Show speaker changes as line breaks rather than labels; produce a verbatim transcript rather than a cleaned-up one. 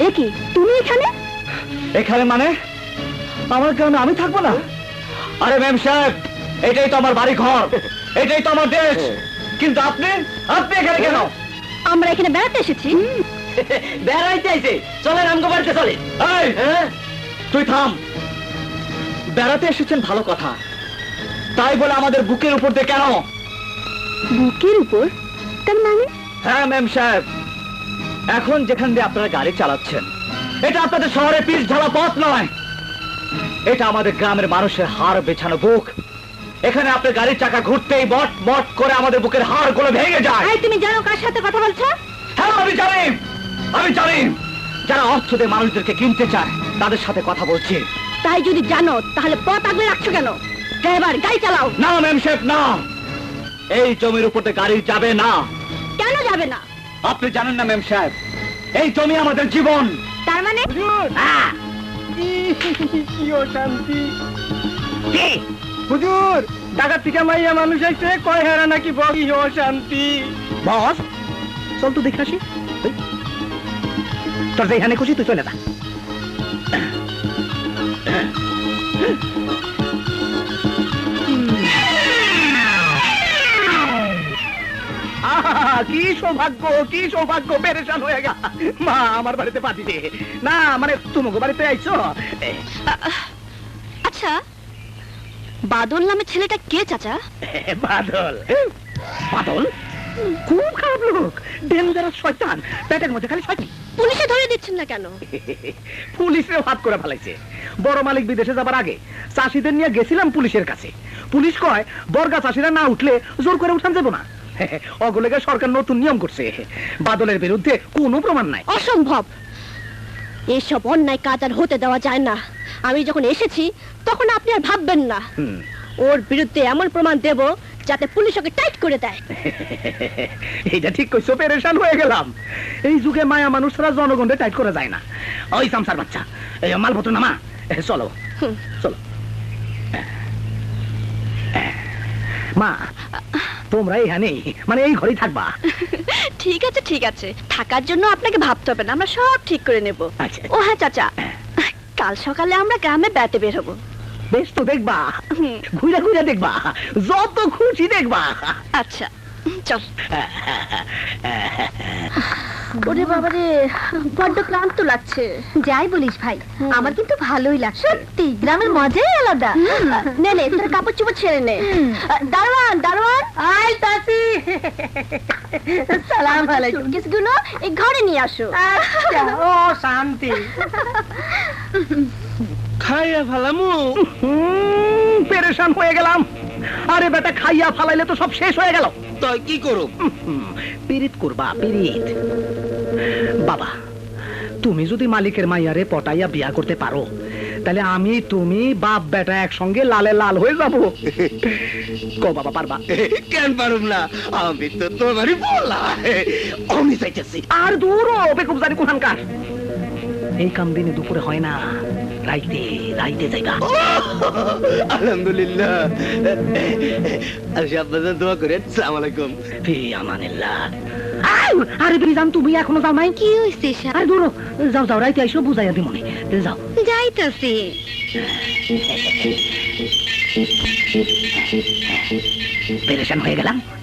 এ কি তুমি এখানে?
এখানে মানে আমার গ্রামে আমি থাকবো না? আরে ম্যাম সাহেব, এটাই তো আমার বাড়ি ঘর, এটাই তো আমার দেশ, কিন্তু আপনি আপনি এখানে কেন?
আমরা এখানে বেড়াতে এসেছি।
বেড়াইতে আইছে, চলেন আমগো বাড়িতে চলে। এই তুই থাম, বেড়াতে এসেছেন ভালো কথা, তাই বলে আমাদের বুকের উপর দিয়ে কেন?
বুকের উপর? তার মানে?
হ্যাঁ ম্যাম সাহেব, এখন যেখান দিয়ে আপনারা গাড়ি চালাচ্ছেন এটা আপনাদের শহরে পিচ ঢালা পথ নয়, এটা আমাদের গ্রামের মানুষের হাড় বেছানো বুক। এখানে আপনার গাড়ির চাকা ঘুরতেই বট বট করে আমাদের বুকের হাড় গুলো ভেঙে যায়।
এই তুমি জানো কার সাথে কথা বলছো?
হ্যাঁ আমি জানি, আমি জানি যারা অর্থ দিয়ে মানুষদেরকে কিনতে চায় তাদের সাথে কথা বলছি।
তাই যদি জানো তাহলে পথ আগলে রাখছো কেন? ড্রাইভার গাড়ি চালাও।
না ম্যাম সাহেব না, এই জমির উপর দিয়ে গাড়ি যাবে না।
কেন যাবে না?
আপনি জানেন না ম্যাম সাহেব, এই জমি আমাদের জীবন।
তার মানে?
হ্যাঁ।
কি অশান্তি! হুজুর, ঢাকা থেকে মাইয়া মানুষ আইছে, কয় হেরা নাকি বড় অশান্তি।
বস চল তো দেখে আসি। তোর যেখানে খুশি তুই চলে যা। কি সৌভাগ্য, কি সৌভাগ্য, পেরেশান হয়ে গেল। মা আমার বাড়িতে পাঠিয়ে দে না, মানে তোমাকে বাড়িতে আইছো।
আচ্ছা, বাদল নামে ছেলেটা কে চাচা?
বাদল? বাদল খুব খারাপ লোক, ডেঞ্জারাস শয়তান, পেটের মধ্যে খালি শয়তান।
পুলিশে ধরে দিচ্ছেন না কেন?
পুলিশে হাত করে ফেলাইছে। বড় মালিক বিদেশে যাবার আগে চাষিদের নিয়ে গেছিলাম পুলিশের কাছে। পুলিশ কয় বর্গা চাষিরা না উঠলে জোর করে উঠান যাবো না। অগলেগে সরকার নতুন নিয়ম করছে, বাদলের বিরুদ্ধে কোনো প্রমাণ নাই।
অসম্ভব, এসব অন্যায় কাজ আর হতে দেওয়া যায় না। আমি যখন এসেছি তখন আপনি আর ভাববেন না। ওর বিরুদ্ধে এমন প্রমাণ দেব যাতে পুলিশ ওকে টাইট করে দেয়।
এইটা ঠিক কইছো, পেরেশান হয়ে গেলাম। এই যুগে মায়া মানুষ ছাড়া জনগণকে টাইট করা যায় না। ওই সামসার বাচ্চা, এই মালপত্র নামা, চলো চলো। মা তোমরা এখানে মানে এই ঘরেই থাকবা?
ঠিক আছে ঠিক আছে, থাকার জন্য আপনাকে ভাবতে হবে না, আমরা সব ঠিক করে নেব।
আচ্ছা।
ও হ্যাঁ চাচা, কাল সকালে আমরা গ্রামে বেড়াতে বের হবো।
বেশ তো, দেখবা, ঘুরে ঘুরে দেখবা, যত খুশি দেখবা।
আচ্ছা চল। ওরে বাবা রে, বড্ড ক্লান্ত লাগছে।
যাই বলিস ভাই, আমার কিন্তু ভালোই লাগছে। সত্যি গ্রামের মজাই আলাদা।
নে নে তোর কাপড় চোপড় ছেড়ে নে। দারোয়ান দারোয়ান,
আয় তাসি, সালাম আলাইকুম।
সুটকেসগুলো এই ঘরে নিয়ে আসো।
আচ্ছা, ও শান্তি।
খাইয়া ফেলামু।
পেরেশান হয়ে গেলাম। আরে বেটা, খাইয়া ফালাইলে তো সব শেষ হয়ে গেল।
তাই কি করব?
পিরিত করবা, পিরিত। বাবা, তুমি যদি মালিকের মাইয়ারে পটাইয়া বিয়া করতে পারো তাহলে আমি তুমি বাপ বেটা একসঙ্গে লালে লাল হয়ে যাবো। কো বাবা, পারবা?
কেন পারুম না, আমি তো তোমারই বলা। আমি চাইতেছি।
আর দূর বেকুব জানি কোহানকার। এই কাম দিনে দুপুরে হয় না, রাইতে রাইতে যাইবা।
আলহামদুলিল্লাহ। আচ্ছা, আপনাদের দোয়া করেন। আসসালামু আলাইকুম।
ফি আমানিল্লাহ। আরে বিজান, তুমি এখনো যাও নাই?
কি হইছে?
আরে দূর, যাও যাও, রাইতে আইসো, বুঝাইয়া দিমনি। যাও।
যাইতাছি।
পেরেশান হয়ে গেলাম।